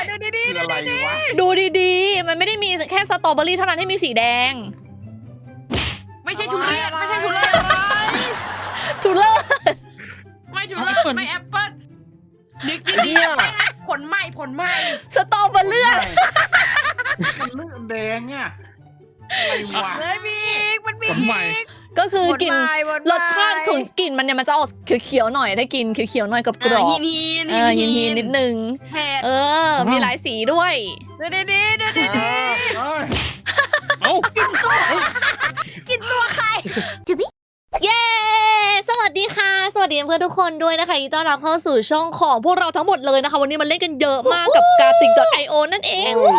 ดูดีคืออะไรวะดูดีๆมันไม่ได้มีแค่สตรอเบอรี่เท่านั้นที่มีสีแดงไม่ใช่ทุเรียนไม่ใช่ทุเรียนทุเรศไม่ทุเรียนไม่แอปเปิ้ลนึกดีๆผลใหม่สตรอเบอรี่มันเลือดแดงอ่ะอะไรวะเลยมีอีกมันมีผลใหม่ก็คือกลิ่นรสชาติของกลิ่นมันเนี่ยมันจะออกเขียวๆหน่อยได้กินเขียวๆหน่อยกับกรอบหินหินนิดนึงเผ็ดมีหลายสีด้วยดูดีเอ้ยเอ้ากินตัวใครเย้ สวัสดีค่ะ สวัสดีเพื่อนทุกคนด้วยนะคะยินดีต้อนรับเข้าสู่ช่องของพวกเราทั้งหมดเลยนะคะ วันนี้มันเล่นกันเยอะมากกับ Gartic.io นั่นเอง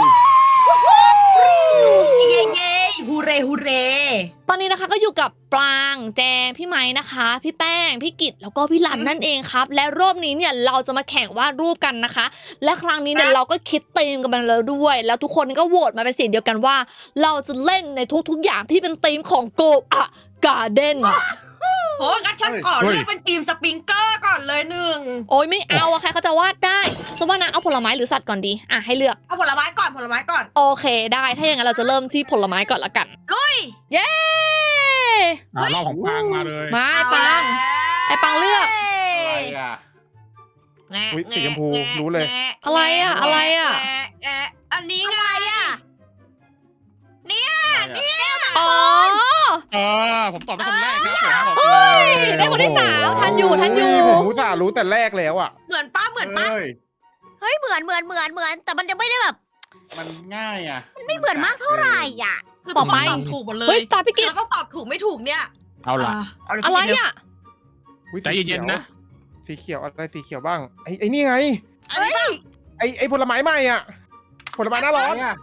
เย้ฮูเร่ตอนนี้นะคะก็อยู่กับปรางแจงพี่ไม้นะคะ พี่แป้งพี่กิตแล้วก็พี่หลันนั่นเองครับ และรอบนี้เนี่ยเราจะมาแข่งวาดรูปกันนะคะ และครั้งนี้เนี่ยเราก็คิดธีมกันมาแล้วด้วย แล้วทุกคนก็โหวตมาเป็นเสียงเดียวกันว่า เราจะเล่นในทุกๆอย่างที่เป็นธีมของโกะการ์เด้นโหงั้นฉันก่อนเลือกเป็นทีมสปริงเกอร์ก่อนเลยหนึ่งโอ้ยไม่เอาอะใครเขาจะวาดได้สมมตินะเอาผลไม้หรือสัตว์ก่อนดีอ่ะให้เลือกเอาผลไม้ก่อนโอเคได้ถ้าอย่างนั้นเราจะเริ่มที่ผลไม้ก่อนละกันลุยเย้รอบของปางมาเลยมาไอ้ปัง ไอ้ปังเลือกอะไรอ่ะอุ๊ยสีชมพูรู้เลยอะไรอะอะไรอะอันนี้ไงอ่ะอ๋อผมตอบเป็นคนแรกครับผมบอกเฮ้เลยได้คนที่สามทันอยู่ผมอุตส่าห์รู้แต่แรกแล้วอ่ะเหมือนป้าเอ้ยเฮ้ยเหมือนแต่มันยังไม่ได้แบบมันง่ายอ่ะมันไม่เหมือนมากเท่าไหร่อ่ะคือทุกคนตอบถูกหมดเลเฮ้ยยตาพี่กิตแล้วก็ตอบถูกไม่ถูกเนี่ยเอาล่ะอะไรอ่ะอุ๊ยใจเย็นๆนะสีเขียวอะไรสีเขียวบ้างไอ้นี่ไงอันนี้ป่ะไอ้ผลไม้ใหม่อ่ะผลไม้หน้าร้อนอ่ะ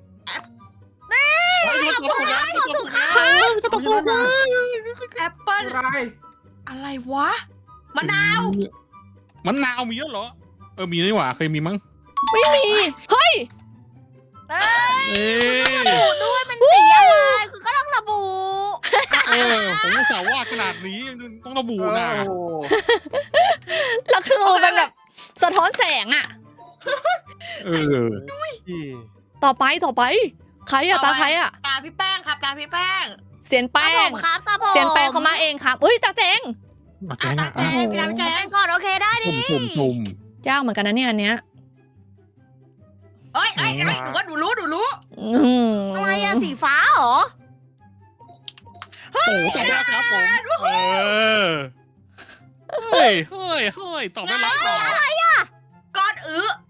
ก็ต้องถูกนะแอปเปิ้ลอะไรอะไรวะมะนาวมะนาวมีแล้วเหรอมีนี่หว่าเคยมีมั้งไม่มี เฮ้ยเอ้ยระบุด้วยมันสีอะไรคือก็ต้องระบุผมอุตส่าห์วาดขนาดนี้ต้องระบุนะโอ้แล้วคือมันแบบสะท้อนแสงอ่ะ ต่อไปใครอ่ะตาใครอ่ะตาพี่แป้งครับตาพี่แป้งเสียนแป้งครับตาผมเสียนแป้งเขามาเองครับเอ้ยตาเจงมาแกงตาอ่ะแจ้งพี่ตาพี่แจ้งก่อนโอเคได้ดิจุ่มยากเหมือนกันนะเนี่ยอันเนี้ยเอ้ยหนูว่าหนูรู้อะไรอะสีฟ้าเหรอโอ้ตอบได้ครับผมเฮ้ยตอบได้แล้วก้อน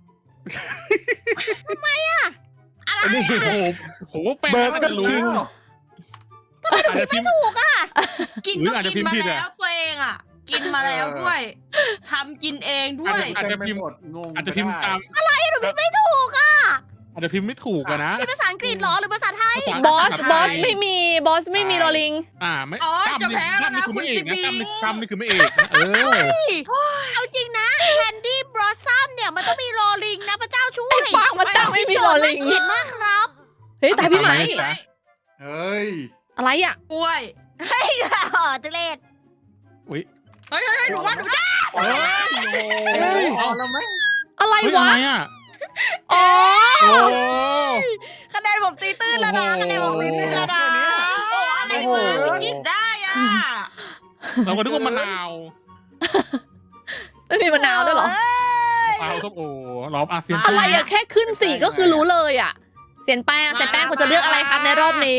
อันนี้โอ้ผมว่าแป้งเบิร์ดน่าก็จะรู้ทิ้งอาจจะพิมพ์กินหรือก็อาจจะกินพิมพ์มาผิดแล้วตัวเองอ่ะ กินมาแล้วด้วยทำกินเองด้วยอาจจะพิมพ์งงอาจจะพิมพ์ตามหนูไม่ถูกอ่ะอาจจะพิมพ์ไม่ถูกอะนะเป็นภาษาอังกฤษเหรอหรือภาษาไทยบอสไม่มีลอลิงไม่อ๋อตั้มจะนี่แพ้แล้วตั้มนี่นะคือคุไม่ณเอซีกนะบีตั้มนี่คือไม่เอกนะเอาจริงนะแคนดี้บลอสซัมเนี่ยมันต้องมีรอลิงนะพระเจ้าช่วยไอ้ปางมันตั้งไม่มีลอลิงเขียนมากครับเฮ้ยตาพี่ไหมเฮ้ยอะไรอ่ะกล้วยทุเรศเฮ้ยหนูว่าหนูจะเฮ้ยเอาแล้วไหมอะไรเฮ้ยอะวะไรอ่ะอ๋อโอ้คะแนนผมตีตื้นแล้วนะคะแนนผมตีตื้นแล้วนะอะไรวะคิดได้อ่ะเราก็นึกว่ามะนาวไม่มีมะนาวด้วยเหรอเอาส้มโอล้อมอาเซียนอะไรอะแค่ขึ้นสีก็คือรู้เลยอะเสียนแป้งคุณจะเลือกอะไรครับในรอบนี้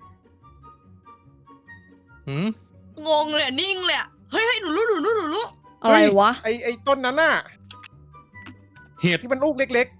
งงเลยนิ่งเลยเฮ้ยหนูรู้อะไรวะไอ้ต้นนั้นน่ะเห็ดที่มันลูกเล็ก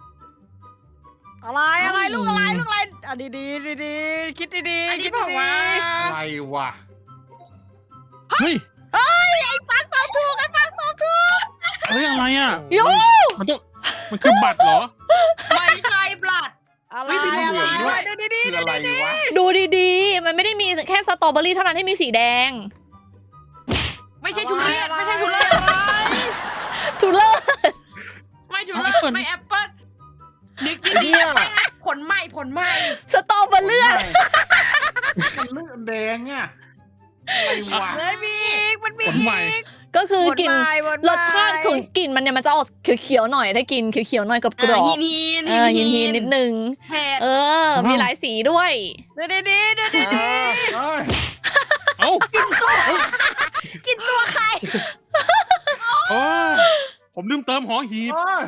อะไรลูกอะไรอ่ะดีคิดดีอันนี้บอกว่าอะไรวะเฮ้ยฟังตอบถูกเฮ้ยอะไรอ่ะโยมันคือบัตรเหรอไม่ใช่บลัดอะไรไม่มีเหลืองด้วยดูดีคืออะไรวะดูดีๆ มันไม่ได้มีแค่สตรอเบอรี่เท่านั้นที่มีสีแดงไม่ใช่ทุเรียนไม่ใช่ทุเรียนทุเรศไม่ทุเรียนไม่แอปเปิ้ลนึกดีๆผลใหม่สตรอเบอรี่มันเลือดแดงอ่ะอะไรวะเลยมีอีกมันมีผลใหม่ก็คือกลิ่นวนไปรสชาติของกลิ่นมันเนี่ยมันจะออกเขียวๆหน่อยได้กินเขียวๆหน่อยกับกรอบหินหินนิดนึงเผ็ดมีหลายสีด้วยดูดีๆดูดีเอ้ยเอ้ากินตัวใครโอ้ยผมลืมเติมหอหีบโอ้ย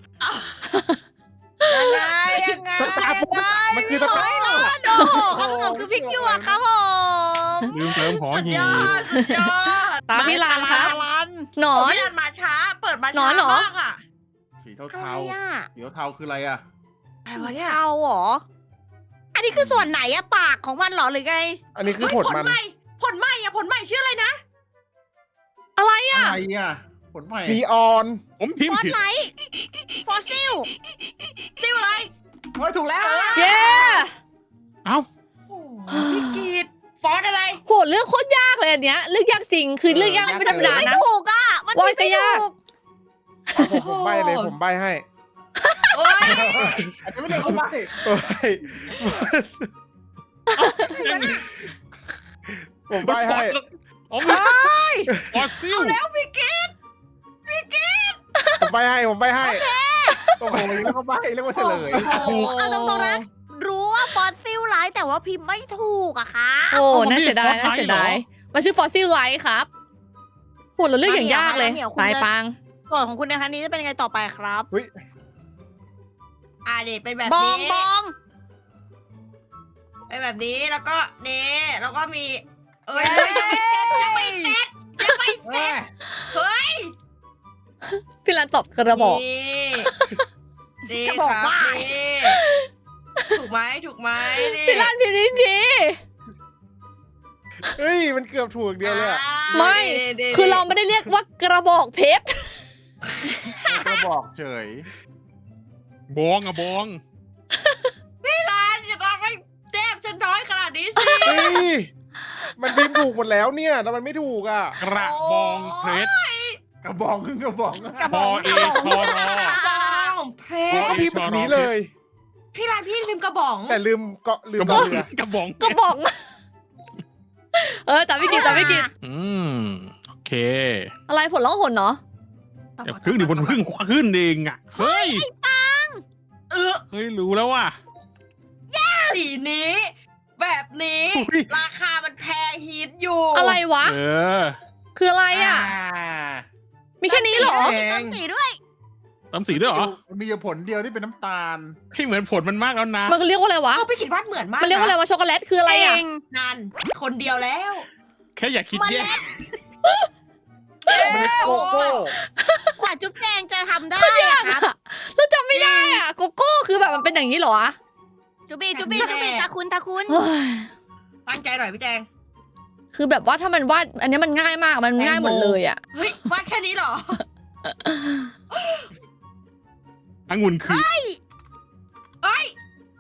ๆยังไงมันคือตะกร้าโดคำตอบคือพริกหยวกครับผมลืมเติมหอสุดหียอบ ดสุดยอดตามพี่ลานครับ หนอโอ้นพี่ลานมาช้า เปิดมาหนอช้านเหรอมากอ่ะสีอะไรเทาอ่ะๆสีเทาๆคืออะไรอ่ะอะไรวะเนี่ยเอาเหรอ อันนี้คือส่วนไหนอะปากของมันเหรอหรือไงอันนี้คือเฮ้ยผลผลมันใหม่ผลใหม่อะผลใหม่ชื่ออะไรนะอะไรอ่ะอะไรอ่ะผลใหม่นีออนผมพิมฟพ์อสผิดไลท์ฟอสซิลซิวอะไรเฮ้ยถูกแล้วเย้เอ้าโอ้โหพี่กีดฟอสอะไรโหเลือกโคตรยากเลยอันเนี้ยเลือกยากจริงคือเลือกยากไม่ธรรมดาไม่นะถูกอะมันว่าไม่ก็ยากถูกผมใบเลยผมใบให้โอ้ยอันนี้ไม่ได้คนใบ้โอ้ยผมใบให้อ๋อมันฟอสซิลแล้วพี่กีดผมใบให้ผมใบให้โอ้โหเรียกว่าใบ้เรียกว่าเฉลยเอาตรงๆนะ รู้ว่าฟอสซิลไลท์แต่ว่าพิมพ์ไม่ถูกอะค่ะโอ้น่าเสียดายน่าเสียดายมันชื่อฟอสซิลไลท์ครับโหเราเลือกอย่างยากเลยสายปางส่วนของคุณในครั้งนี้จะเป็นยังไงต่อไปครับอ่าเด็เป็นแบบบองนี้บองเป็นแบบนี้แล้วก็นี่แล้วก็มี เอ้ยยังไม่เสร็จยังไม่เสร็จเฮ้ยพี่รันตอบกระบอกนี่จะบอกว่านี่ถูกไหมถูกไหมนี่พี่รันพิมพ์ดีเฮ้ยมันเกือบถูกเดียวเลยอะไม่ คือเราไม่ได้เรียกว่ากระบอกเพชรก็บอกเฉยบองอะบองร้านจะทำให้แต้มฉันน้อยขนาดนี้สิเฮ้ยมันพิมพ์ถูกหมดแล้วเนี่ยแต่มันไม่ถูกอ่ะกระบองเพชรกระบองขึ้นกระบองบอเอชอรอบ้องเพผมชก็รพิมพ์แบบนี้เลยพี่ร้านพี่ลืมกระป๋องแต่ลืมเกาะลืกมระบองเรือกระบองกระบอกแต่ไม่กินแต่ไม่กินอืมโอเคอะไรผลล่องหนเนาะเดี๋ยวครึ่งดิบนครึ่งขึ้นเองอ่ะเฮ้ยเออเฮ้ยรู้แล้วว่ะสีนี้ แบบนี้อุ๊ยราคามันแพงฮิตอยู่อะไรวะเออคืออะไรอ่ะ มีแค่นี้เหรอมีต้นสีด้วยตำสีด้วยเหรอมันมีอยู่ผลเดียวที่เป็นน้ำตาลให้เหมือนผลมันมากแล้วนะมันเรียกว่าอะไรวะเอาพี่กิดวาดเหมือนมากมันเรียกว่าอะไรวะช็อกโกแลตคืออะไรอ่ะนั่นคนเดียวแล้วแค่อย่าคิดแย่มันเป็นโกโก้กว่าจุ๊บแจงจะทำได้คือยาอะกครับอ่ะเราจำไม่ได้อ่ะโกโก้คือแบบมันเป็นอย่างนี้เหรอวะจุบี้จุบี้จุบี้ตาคุณตาคุณเฮ้ยตั้งใจหน่อยพี่แจงคือแบบว่าถ้ามันวาดอันนี้มันง่ายมากมันง่ายหมดเลยอ่ะเฮ้ยวาดแค่นี้เหรอองุ่นคือเอ้ย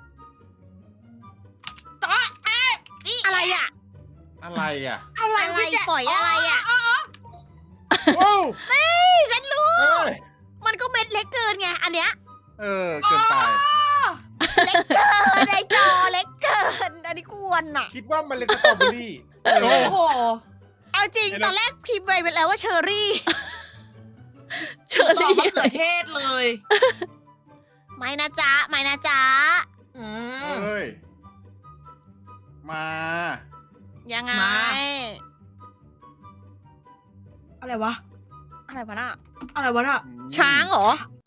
ต่ออะไรอ่ะอะไรอ่ะอะไรอะไรพี่แจงปล่อยอะไรอ่ะโอ้ฉันรู้เอ้ยมันก็เม็ดเล็กเกินไง อันเนี้ยเออเกินไปเล็กเกินไอจอเล็กเกิน อันนี้กวนอ่ะคิดว่ามันเป็นสตรอเบอรี่โอ้โอ้โหเอาจริงตอนแรกพิมพ์ไปแล้วว่าเชอร์รี่เชอต่อรี่มะเขือเทศเลยไม่นะจ๊ะไม่นะจ๊ะอืมเอ้ย มายังไงมา อะไรวะอะไรวะน่ะอะไรวะน่ะช้างเหรอ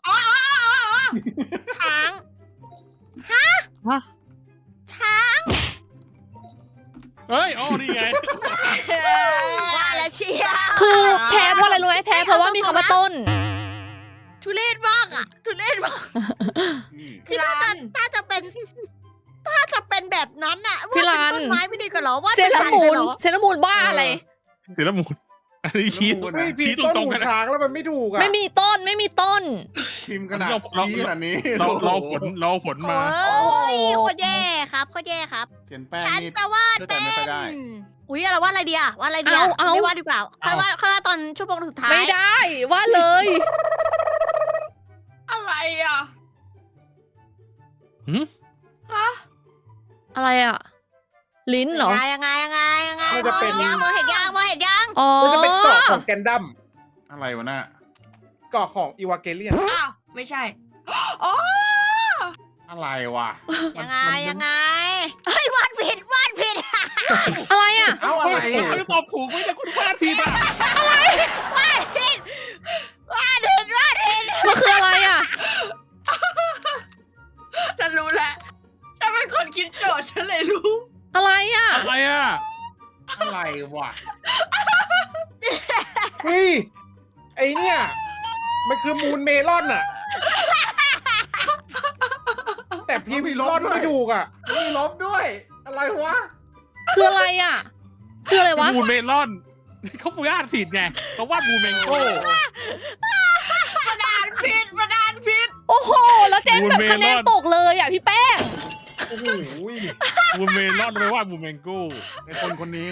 ช้างฮะช้างเฮ้ยอ๋อนี่ไงว่าแล้วเชียร์คือแพ้เพราะอะไรรู้ไหมแพ้เพราะว่ามีคำว่าต้นทุเรศมากอ่ะ ทุเรศมากนี่คือถ้าจะเป็นแบบนั้นอ่ะพี่ว่ารัเป็นนต้นไม้ไม่ดีกว่าเหรอว่าเซเลอรามูนเหรอเซเลอรามูนบ้าอะไรเสียละมูลอันนี้ชี้เฮ้ยพิมชี้พ์ตต้นรงหูๆกันนะช้างแล้วมันไม่ถูกอ่ะไม่มีต้นไม่มีต้นพิมพ์ขนาดเราชี้ขนาดนี้เราผลมาโอ้ยโคตรแย่ครับโคตรแย่ครับเขียนแป้งฉันนี่จะวาดเชื่อใจเป็ไม่ค่อยได้นอุ้ยเราวาดอะไรดีอะวาดอะไรดีอะเอาไม่วาดดีกว่าค่อยวาดตอนชั่วโมงสุดท้ายไม่ได้ว่าเลยอะไรอ่ะหืมฮะอะไรอ่ะ ลิ้นเหรอยังไงน่าจะเป็นมองเห็นยังอ๋อน่าจะเป็นเกาะของแกนดัมอะไรวะน่ะเกาะของอีวาเกเลียนอ้าวไม่ใช่อ๋ออะไรวะยังไงยังไงเฮ้ยวาดผิดอะไรอ่ะเอ้าอะไรคุณอ่ะตอบถูกไม่แต่คุณพลาดผิดอ่ะวาดผิดมันคืออะไรอ่ะฉันรู้แล้วฉันเป็นคนคิดโจทย์ฉันเลยรู้อะไรอ่ะอะไรอ่ะอะไรวะเฮ้ย ไอเนี่ย มันคือมูนเมลอนอะแต่พี่มีรอดไม่ถูกอะมีลบด้วย อะไรวะคืออะไรอ่ะ คืออะไรวะมูนเมลอนเขาวาดผิดไงเขาวาดมูนเมงโก้ประดานผิดโอ้โห แล้วเจ๊แบบคะแนนตกเลยอ่ะพี่แป้งโอ้โหมูนเมลอนไม่วาดมูนเมงโก้ไอคนคนนี้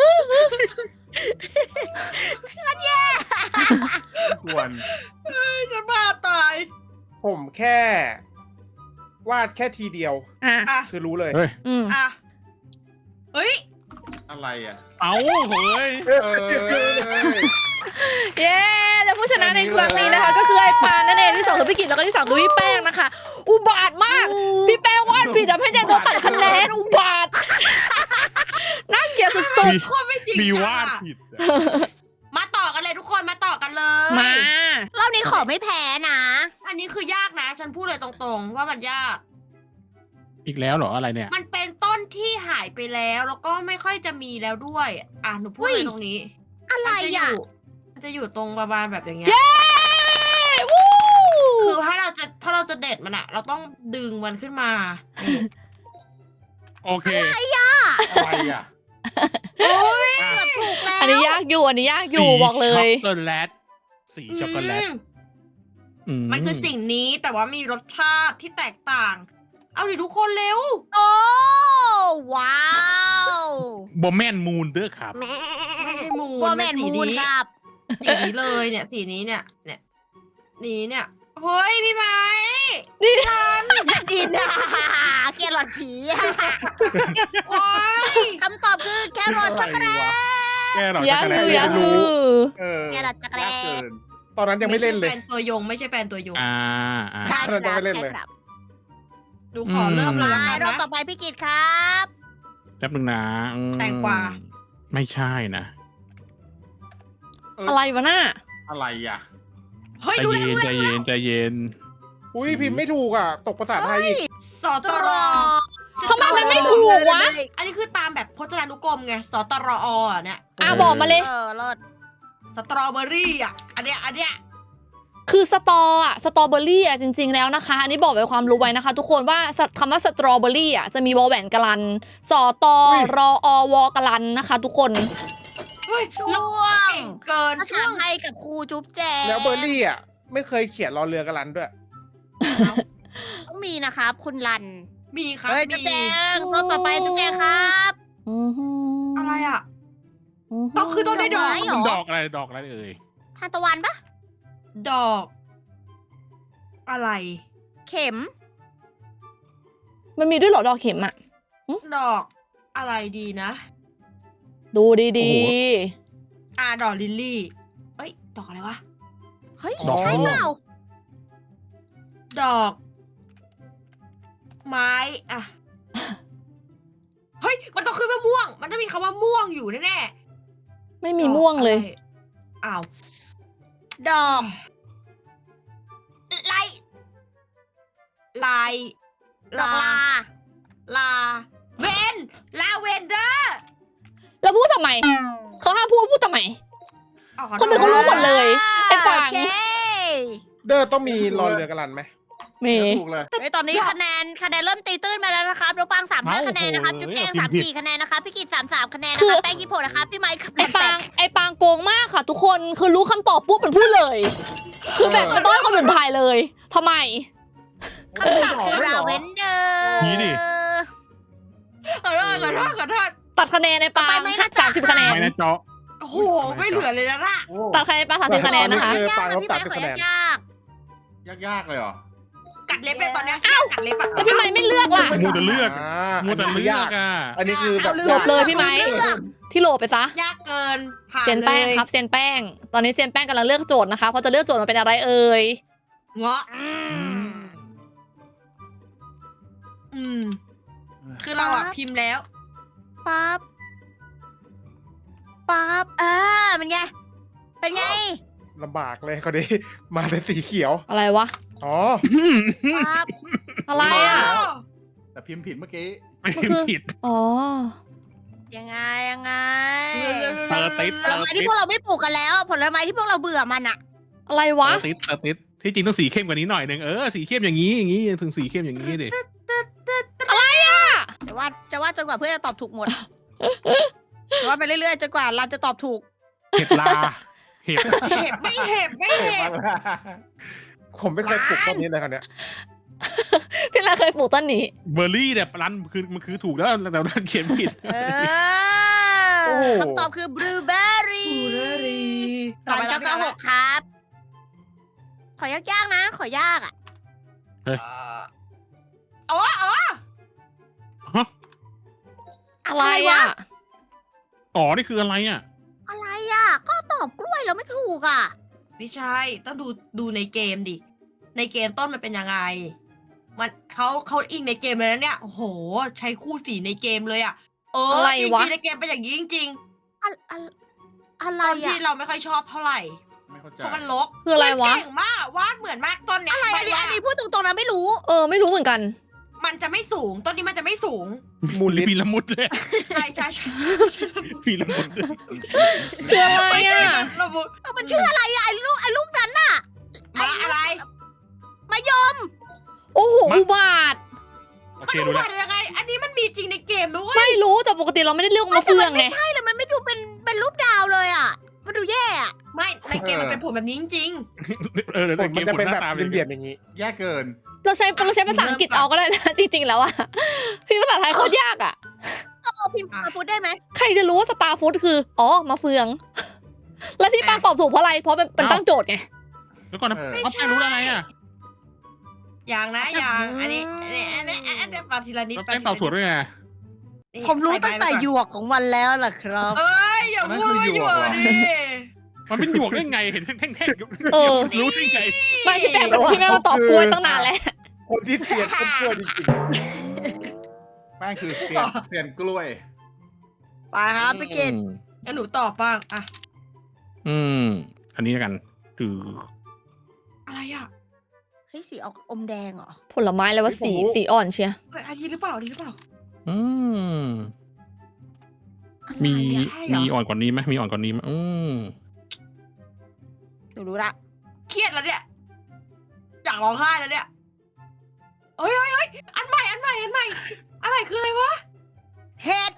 ควรจะบ้าตายผมแค่ วาดแค่ทีเดียวอ่ะอ่ะคือรู้เลยเฮ้ยอืมอ่ะเฮ้ยอะไรอ่ะเอาเฮ้ยเออเย้ แล้วผู้ชนะในครั้งนี้นะคะ ก็คือไอ้ปานนั่นเองที่สองคือพี่กิตแล้วก็ที่สามคือพี่แป้งนะคะ อุบาทมาก พี่แป้งวาดผิดทำให้แจงโดนตัดคะแนน อุบาท น่าเกลียดสุดโคตรไม่จริงมีจังวาดอะผิดอะมาต่อกันเลยทุกคนมาต่อกันเลยๆ มารอบนี้ขอไม่แพ้นะอันนี้คือยากนะ ฉันพูดเลยตรงๆ ว่ามันยากอีกแล้วเหรออะไรเนี่ยมันเป็นต้นที่หายไปแล้วแล้วก็ไม่ค่อยจะมีแล้วด้วย อ่ะหนูพูดเลยตรงนี้อะไรอ่ะมันจะอยู่ตรงประมาณแบบอย่างเงี้ยเย้ วู้คือถ้าเราจะเด็ดมันอะเราต้องดึงมันขึ้นมานี่โอเคอะไรอ่ะเกือบถูกแล้วอันนี้ยากอยู่ อันนี้ยากอยู่บอกเลยช็อกโกแลตสีช็อกโกแลตมันคือสิ่งนี้แต่ว่ามีรสชาติที่แตกต่าง เอาดิทุกคนเร็วโอ้ว้าวบอมแมนมูนเด้อครับไม่ใช่มูนว่าแมนสีมูนนี้ครับสีนี้เลยเนี่ยสีนี้เนี่ยเนี่ยเฮ้ยพี่ไม้ดินแครอทผีโอ้ยคำตอบคือแครอทช็อกโกแลตแกหรอช็ยาอกกโกแลอตยู่เรียาย กนอรู้ยู่เออแครอทช็อกโกแลยากตเกินตอนนั้นยังไม่เล่นเลยแฟนตัวยงไม่ใช่แฟนตัวยงอ่าใช่ครับเราจะไม่เล่นเลยใช่ครับดูขอเริ่มเลยมาแล้วกันรอบนะต่อไปพี่กิตครับแป๊บนึงนะอืมแตงกวาไม่ใช่นะอะไรวะน่ะอะไรอ่ะเฮ้ยใจดูเย็นแล้วใจเย็นใจเย็นอุ้ยพิมพ์ไม่ถูกอะตกภาษาไทยอีกสตรอทำไมมันไม่ถูกวะอันนี้คือตามแบบพจนานุกรมไงสตรอเนี่ยอ่ะบอกมาเลยรอดสตรอเบอรี่อ่ะอันเนี้ยคือสตรอเบอรี่อ่ะจริงๆแล้วนะคะ อันนี้บอกไว้ความรู้ไว้นะคะ ทุกคนว่าคำว่าสตรอเบอรี่อ่ะจะมีวอลแหวนกลันสตรอวกลันนะคะ ทุกคนเฮ้ยช่แล้ววงเก่งเกินภาษาไทยกับครูจุ๊บแจงแล้วเบอร์รี่อะไม่เคยเขียนรอเรือกันลันด้วยต้องมีนะครับ คุณรันมีครับเฮ้ยมีจุ๊บแจงรอบต่อไปจุ๊บแจงครับอะไรอ่ะ ต้องคือต้นไม้ดอกไม้เหรมันอดอกอะไรดอกอะไรเอ่ยทานตะวันปะดอก อะไรเข็มมันมีด้วยเหรอดอกเข็มอ่ะดอกอะไรดีนะดูดีดอกลิลลี่เอ้ยดอกอะไรวะเฮ้ยดอกใช่ม่วงเปล่าดอก ไม้อะเฮ้ยมันต้องขึ้นว่าม่วง มันต้องมีคำว่าม่วงอยู่แน่ๆ ไม่มีม่วงเลยอะไรอ้าวดอกลายลายดอกลาลาเวนลาเวนเดอร์แล้วพูดทำไม เขาห้ามพูดทำไมอ๋อขอโทษคนอื่นเขารู้หมดเลย ไอ้ปางโอเคเดอร์ต้องมีรอเรือกันลันไหมมีถูกเลยเฮ้ยตอนนี้คะแนนเริ่มตีตื้นมาแล้วนะครับน้องปัง35คะแนนนะครับ จุ๊บแจง34คะแนนนะครับ พี่กิต33คะแนนนะครับ แป้ง26นะครับ พี่ไมค์กับไอ้ปางโกงมากค่ะ ทุกคนคือรู้คำตอบปุ๊บมันพูดเลย คือแบบมันต้องให้คนอื่นทายเลยทำไมคำตอบคือราเวนเดอร์นี่ดิขอโทษตัดคะแนนในปาง30 คะแนนไม่นะเจาะโอ้โหไม่เหลือเลยนะล่ะโอ้ตัดคะแนนปาง30 คะแนนนะคะเออปางลบพี่ไมค์ 30 ขอคะแนนยากยากๆเลยเหรอกัดเล็บเลยตอนเนี้ยกัดเล็บอะแล้วพี่ไม้ไม่เลือกล่ะมูจะเลือกอ่ามัวแต่เลือกอ่ะอันนี้คือแบบจบเลยพี่ไม้ที่โหลไปซะยากเกินผ่านเซียนเลแป้งยครับเซียนแป้ง ตอนนี้เซียนแป้งกำลังเลือกโจทย์นะคะเขาจะเลือกโจทย์มาเป็นอะไรเอ่ยเงาะคือเราอะพิมพ์แล้วปั๊บเป็นไง เป็นไงลำบากเลยคนนี้มาเป็นสีเขียวอะไรวะอ๋อปั๊บอะไรอ่ะแต่พิมพ์ผิดเมื่อกี้ไม่มันคือผิดอ๋อยังไงเตอร์ติดผลไม้ที่พวกเราไม่ปลูกกันแล้ว ผลไม้ที่พวกเราเบื่อมันอะอะไรวะเตอร์ติดที่จริงต้องสีเข้มกว่านี้หน่อยนึงสีเข้มอย่างนี้ถึงสีเข้มอย่างนี้ดิจะว่าจนกว่าเพื่อนจะตอบถูกหมดจะว่าไปเรื่อยๆจนกว่าเราจะตอบถูกเห็บลาเห็บเห็บไม่เห็บไม่เห็บผมไม่เคยปลูกต้นนี้เลยคันเนี้ยพี่ลาเคยปลูกต้นนี้เบอร์รี่เนี่ยรันมันคือถูกแล้วแต่รันเขียนผิดคำตอบคือบลูเบอร์รี่ ตอน996ครับ ขอยากๆนะ ขอยากอ่ะอะไรอ่ะอ๋อนี่คืออะไรอ่ะอะไรอ่ะ ก็ตอบกล้วยแล้วไม่ถูกอ่ะไม่ใช่ต้องดูในเกมดิ ในเกมต้นมันเป็นยังไง มันเขาอิงในเกมเลยนะเนี่ยโอ้โห ใช้คู่สีในเกมเลยอะอะไรจริงวะๆในเกมเป็นอย่างนี้จริงอะไรๆต้นอ่ะที่เราไม่ค่อยชอบเท่าไหร่ไม่เข้าใจเพราะมันรกคืออะไรวะเก่งมากวาดเหมือนมากต้นเนี้ยอะไรใบอันนี้พูดตรงๆนะไม่รู้ไม่รู้เหมือนกันมันจะไม่สูงต้นนี้มันจะไม่สูงมูลลิมีละมุดเลยใช่ใช่ใช่มีละมุดเลยคืออะไรไม่ใช่อ่ะระบุมันชื่ออะไรอ่ะไอ้ลูกนั้นน่ะมาอะไรมายมโอ้โหอุบาทโอมันเคดูรู้แล้วว่ายังไง อันนี้มันมีจริงในเกมด้วยไม่รู้แต่ปกติเราไม่ได้เลือกมาเฟืองไงไม่ใช่เลยมันไม่ดูเป็นรูปดาวเลยอ่ะ มันดูแย่อ่ะไม่ในเกมมันเป็นผลแบบนี้จริงผลมันจะเป็นแบบเรียบๆอย่างนี้แย่เกินเราใช้ภาษาอังกฤษเอาก็ได้นะ จริงๆแล้วอะพี่ภาษาไทยโคตรยากอะเอาพิมพ์มาพูดได้ไหมใครจะรู้ว่าสตาร์ฟู้ดคือ มาเฟือง แล้วที่ปางตอบถูกเพราะอะไร เพราะมันตั้งโจทย์ไงแล้วก่อนนะไม่เขาใช่แป้งรู้อะไรอ่ะๆ อย่างนะอย่างอันนี้ปาทีละนิดแล้วแป้งตอบถูกด้วยไงนี่ผมรู้ใส่ตั้งแต่ใบไว้ก่อนหยวกของมันแล้วล่ะครับเอ้ยอย่าพูดว่าหยวกดิมันเป็นหยวกได้ไงเห็นแท่งๆเออรู้ได้ไงไม่พี่แป้งมาตอบกล้วยตั้งนานแล้วคนที่เสียนต้นกล้วยจริงแป้งคือเซียนกล้วยไปครับพี่กินงั้นหนูตอบบ้างอะอันนี้แล้วกันคืออะไรอะเฮ้ยสีออกอมแดงเหรอผลไม้แล้วว่าสีอ่อนเชียเฮ้ยอันนี้หรือเปล่าอันนี้หรือเปล่ามีใช่เหรอมีอ่อนกว่านี้ไหมมีอ่อนกว่านี้ไหมหนูรู้ละเครียดแล้วเนี่ยอยากร้องไห้แล้วเนี่ยเฮ้ยอันใหม่คืออะไรวะเห็ด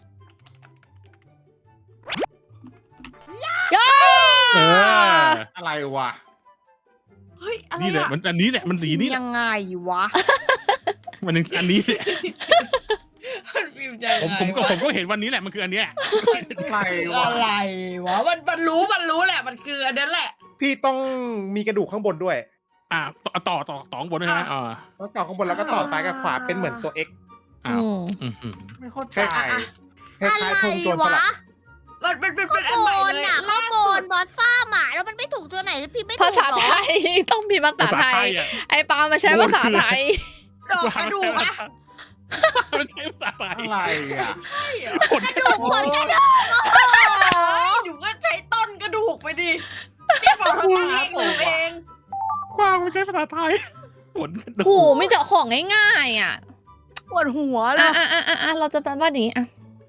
ย่าอะไรวะเฮ้ยอะไรนี่แหละอะมันอันนี้แหละมันสีนี้แหละยังไงวะมันอันนี้แหละมันพิมพ์ยังไงผมก็เห็นวันนี้แหละมันคืออันเนี้ยอะไรวะอะไรวะมันรู้แหละมันคืออันนั้นแหละๆพี่ต้องมีกระดูกข้างบนด้วยต่อข้างบนด้วยนะแล้วต่อข้างบนแล้วก็ต่อซ้ายกับขวาเป็นเหมือนตัว X อืมไม่เข้าใจคล้ายๆธงโจรสลัดมันเป็นข้างอันบใหม่นเลยน่ะข้างบนบอสซ่าหมาแล้วมันไม่ถูกตัวไหนพี่ไม่ถูกภาษาหรอไทย ต้องมีภาษาไทยอ่ะไอ้ปามาใช้ภาษาไทยดอกกระดูกอะมันใช้ภาษาไทยอะไรอ่ะใช่เหรอคนกระดูกคนกระดูกอยู่ก็ใช้ต้นกระดูกไปดินี่บอกเราตั้งเองหรือเองกว้างมันใช้ภาษาไทยผลโหมีแต่ของง่ายๆอ่ะปวดหัวเลอ่ะยเราจะแปลว่านี้อ่ะ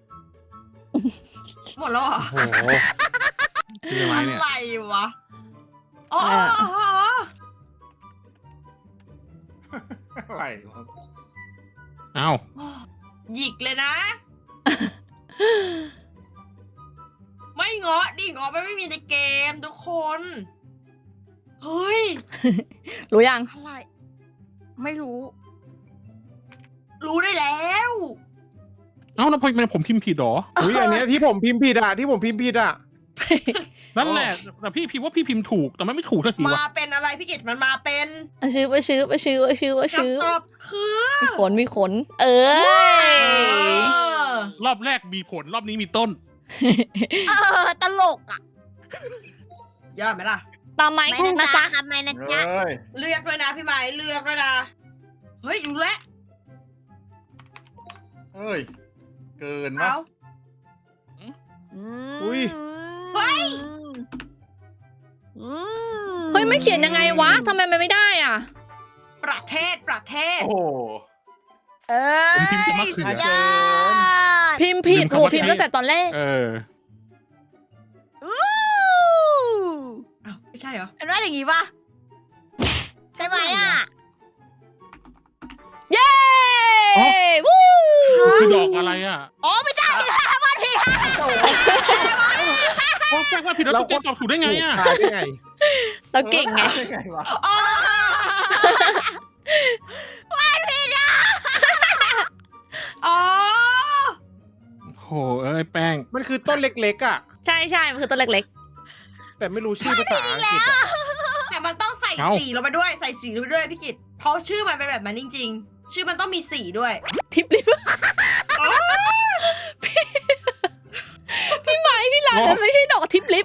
หมดแล้วเหรอโอ้โหคืออะไรอะเนี่ยไรวะอ๋ออะไรวะอ้าวหยิกเลยนะ ไม่เงาะดิเงาะมันไม่มีในเกมทุกคน เฮ้ยรู้ยังอะไร ไม่รู้รู้ได้แล้วเอ้าแล้วพอผมพิมพ์ผิดหรออุ้ยอันเนี้ยที่ผมพิมพ์ผิดอ่ะนั่นแหละแต่พี่พิมพ์ว่าพี่พิมพ์ถูกแต่มันไม่ถูกสักทีมาวะเป็นอะไรพี่กิตมันมาเป็นชื่อคำตอบคือมีขน เออรอบแรกมีผลรอบนี้มีต้นตลกอ่ะยอดไหมล่ะตามไม้ไม่นะนะจ๊ะจ๊ะครับไม่นะจ๊ะเอ้ยเลือกด้วยนะพี่ไม้เลือกด้วยนะเฮ้ยอยู่แล้วเอ้ย เกินวะเอาอุ้ยเฮ้ยเฮ้ยไม่เขียนยังไงวะทำไมมันไม่ได้อ่ะประเทศโอ้โหเอ้ยผมพิมพ์จะมะเขือสุดยอดพิมพ์ผิดพิมพ์โหคำว่าพิมพ์ตั้งแต่ตอนแรกเอออู้อ้าวไม่ใช่เหรอเป็นว่าอย่างงี้ปะใช่ไหมอ่ะเย้อ๋อวู้คือดอกอะไรอ่ะอ๋อไม่ใช่ค่ะวันผิดค่ะโอ้แปลว่าผิดแล้วตุ๊กแกตอบถูกได้ไงอ่ะขายได้ไงเราเก่งไงได้ไงวะอ๋อวันผิดอ่ะอ๋อโหเอ้ยแป้งมันคือต้นเล็กๆอ่ะใช่ใช่มันคือตัวเล็กแต่ไม่รู้ชื่อภาษาอังกฤษอะแต่มันต้องใส่เอ้าสีลงไปด้วยใส่สีลงไปด้วยพี่กิตเพราะชื่อมันเป็นแบบนั้นจริง ๆ ชื่อมันต้องมีสีด้วยๆ ทิปลิปพี่ไหมพี่หลานจะไม่ใช่ดอกทิปลิป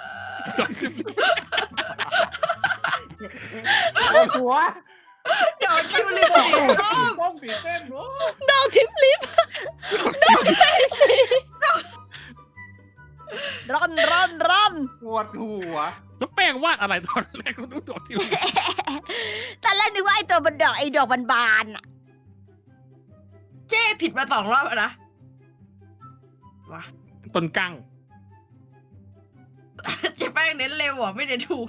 โอ้หัวเดี๋ยวคิวลิปสีส้มต้มสีเส้นวะดอกทิปลิปร่อนปวดหัวแล้วแป้งวาดอะไรตอนแรกก็ต้องดอกที่ตอนแรกนึกว่าไอ้ตัวมันดอกไอ้ดอกบานๆอ่ะเจ้ผิดมา2 รอบแล้วนะว้าต้นกั้งเจ๊แป้งเน้นเร็วอ่ะไม่เน้นถูก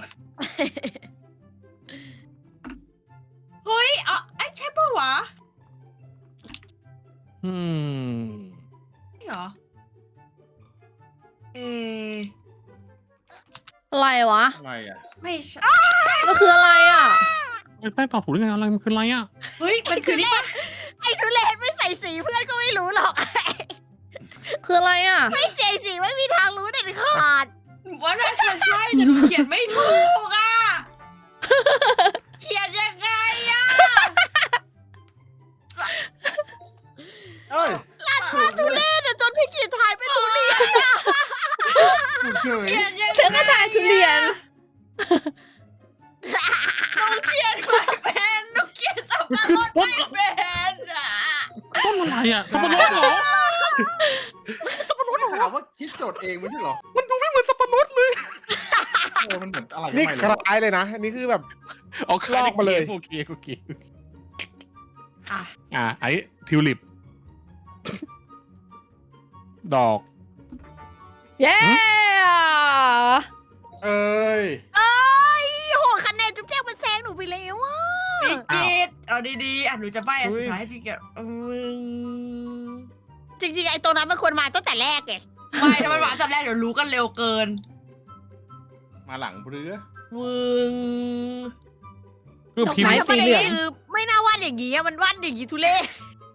เฮ้ยอ๋อไอ้ใช่ปะวะอืมนี่เหรอ เออะไรวะอะไรอ่ะไม่ใช่มันคืออะไรอ่ะแป้งตอบถูกได้ไงอะไรมันคืออะไรอ่ะเฮ้ยมันคือนี่ปะไอ้ทุเรศไม่ใส่สีเพื่อนก็ไม่รู้หรอกคืออะไรอ่ะไม่ใส่สีไม่มีทางรู้เด็ดขาดหนูว่าน่าจะใช่แต่เขียนไม่ถูกอ่ะ เขียนยังไงอ่ะเอ้ยทุเรศอะจนพี่กีทายเป็นทุเรียนอะเฉยเขียนยังไงเธอก็ทายทุเรียนหนูเขียนไม่เป็นหนูเขียนสับปะรดไม่เป็นอ่ะต้นอะไรอ่ะสับปะรดเหรอไม่ถามว่าคิดโจทย์เองไม่ใช่เหรอมันดูไม่เหมือนสับปะรดเลยมันเหมือนอะไรนี่ไม่ครู้ล้ายเลยนะ อันนี้คือแบบเอาลอกมาเลยโอเคโอเคอ่ะไอ้ทิวลิป ดอกเย้เอ้ยเอ้ยโหคะแนนจุ๊บแจ๊กมันแซงหนูไปแล้วอะพี่กิตเอาดีๆอ่ะหนูจะใบ้อันสุดท้ายให้พี่กิตจริงๆไอ้ตรงนั้นมันควรมาตั้งแต่แรกไงไม่ถ้ามันมาตอนแรกเดี๋ยวรู้กันเร็วเกินมาหลังเรือวึงคือพิมพ์ไม้สีเหลืองคือไม่น่าวาดอย่างงี้อะมันวาดอย่างงี้ทุเรศ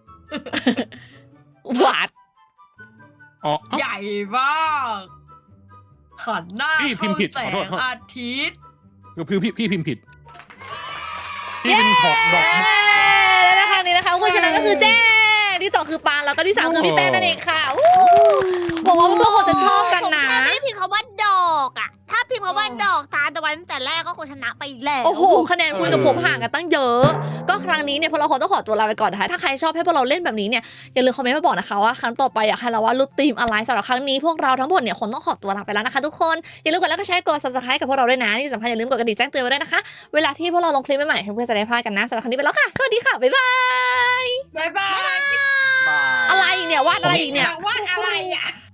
หวาดอ๋อใหญ่มากหันหน้าพี่พิมพ์ผิดเข้าแสขอโทษงอาทิตย์คือพี่พิมพ์ผิด พี่เป็นหอกดอกแล้วนะคะนี้นะคะผู้ชนะก็คือแจ้ที่2คือปางแล้วก็ที่3คือพี่แป้งนั่นเองค่ะอู้บอกว่าพวกคนจะชอบกันนะผมแค่ไม่ได้พิมพ์คำว่าดอกอะถ้าพิมพ์คำว่าดอกตามตะวันตั้งแต่แรกก็คงชนะไปแล้วโอ้โหคะแนนคุณกับผมห่างกันตั้งเยอะ ก็ครั้งนี้เนี่ยพวกเราคงต้องขอตัวลาไปก่อนนะคะถ้าใครชอบให้พวกเราเล่นแบบนี้เนี่ยอย่าลืมคอมเมนต์มาบอกนะคะว่าครั้งต่อไปอยากให้เราวาดรูปธีมอะไรสำหรับครั้งนี้พวกเราทั้งหมดเนี่ยคงต้องขอตัวลาไปแล้วนะคะทุกคนอย่าลืมกดไลค์กดแชร์กด subscribe กับพวกเราด้วยนะที่สำคัญอย่าลืมกดกระดิ่งแจ้งเตือนไว้ด้วยนะคะเวลาที่พวกเราลงคลิปใหม่ๆเพื่อนๆจะได้พลาดกันนะสำหรับครั้งนี้ไปแล้วค่ะสวัสดีค่ะบ๊ายบายบ๊ายบายบายอะไรอีกเนี่ยวาดอะไรอีกเนี่ยวาดอะไรอ่ะ